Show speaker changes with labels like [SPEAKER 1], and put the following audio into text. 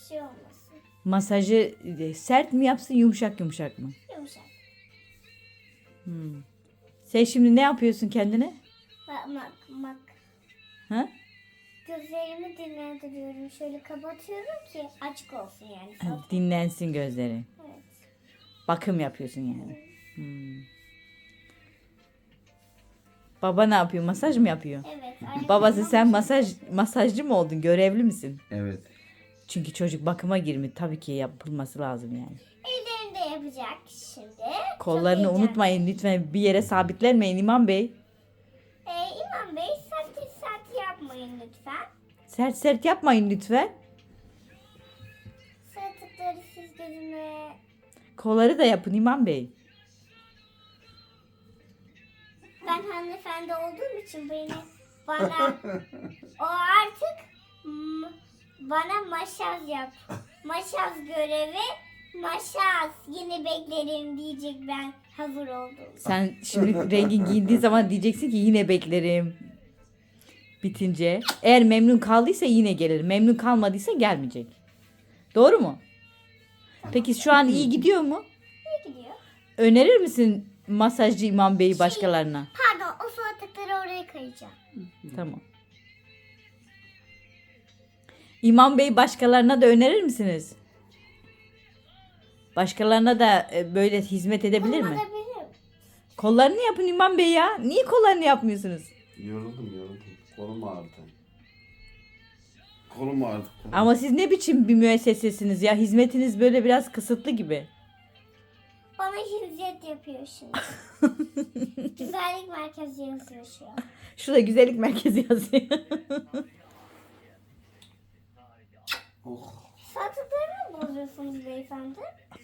[SPEAKER 1] şey olmasın.
[SPEAKER 2] Masajı sert mi yapsın, yumuşak yumuşak mı?
[SPEAKER 1] Yumuşak.
[SPEAKER 2] Sen şimdi ne yapıyorsun kendine?
[SPEAKER 1] Bak.
[SPEAKER 2] Ha?
[SPEAKER 1] Gözlerimi dinlendiriyorum. Şöyle kapatıyorum ki açık olsun yani.
[SPEAKER 2] Dinlensin gözleri.
[SPEAKER 1] Evet.
[SPEAKER 2] Bakım yapıyorsun yani. Baba ne yapıyor? Masaj mı yapıyor?
[SPEAKER 1] Evet.
[SPEAKER 2] Babası sen masajcı mı oldun? Görevli misin?
[SPEAKER 3] Evet.
[SPEAKER 2] Çünkü çocuk bakıma girmiş. Tabii ki yapılması lazım yani.
[SPEAKER 1] Ellerini de yapacak şimdi.
[SPEAKER 2] Kollarını
[SPEAKER 1] Çok
[SPEAKER 2] unutmayın lütfen. Bir yere sabitlenmeyin İmam Bey.
[SPEAKER 1] İmam Bey sert yapmayın lütfen.
[SPEAKER 2] Sert sert yapmayın lütfen.
[SPEAKER 1] Sarıkları siz gözüme.
[SPEAKER 2] Kolları da yapın İmam Bey.
[SPEAKER 1] Ben hanımefendi olduğum için bana o artık bana maşaz yap. Maşaz görevi. Maşaz yine beklerim diyecek ben hazır oldum.
[SPEAKER 2] Sen şimdi rengin giyindiği zaman diyeceksin ki yine beklerim. Bitince. Eğer memnun kaldıysa yine gelir. Memnun kalmadıysa gelmeyecek. Doğru mu? Peki şu an iyi gidiyor mu?
[SPEAKER 1] Ne gidiyor?
[SPEAKER 2] Önerir misin masajcı İmam Bey'i başkalarına?
[SPEAKER 1] Pardon o salatalıkları oraya kayacağım.
[SPEAKER 2] Tamam. İmam Bey başkalarına da önerir misiniz? Başkalarına da böyle hizmet edebilir mi?
[SPEAKER 1] Olabilir.
[SPEAKER 2] Kollarını yapın İmam Bey ya. Niye kollarını yapmıyorsunuz?
[SPEAKER 3] Yoruldum. Kolum ağrıdı. Kolum ağrıdı.
[SPEAKER 2] Ama siz ne biçim bir müessesesiniz ya? Hizmetiniz böyle biraz kısıtlı gibi.
[SPEAKER 1] Bana hizmet yapıyor şimdi. Güzellik merkezi yazıyor şu an.
[SPEAKER 2] Şurada güzellik merkezi yazıyor.
[SPEAKER 3] Oh.
[SPEAKER 1] Salatalıkları mı bozuyorsunuz beyefendi?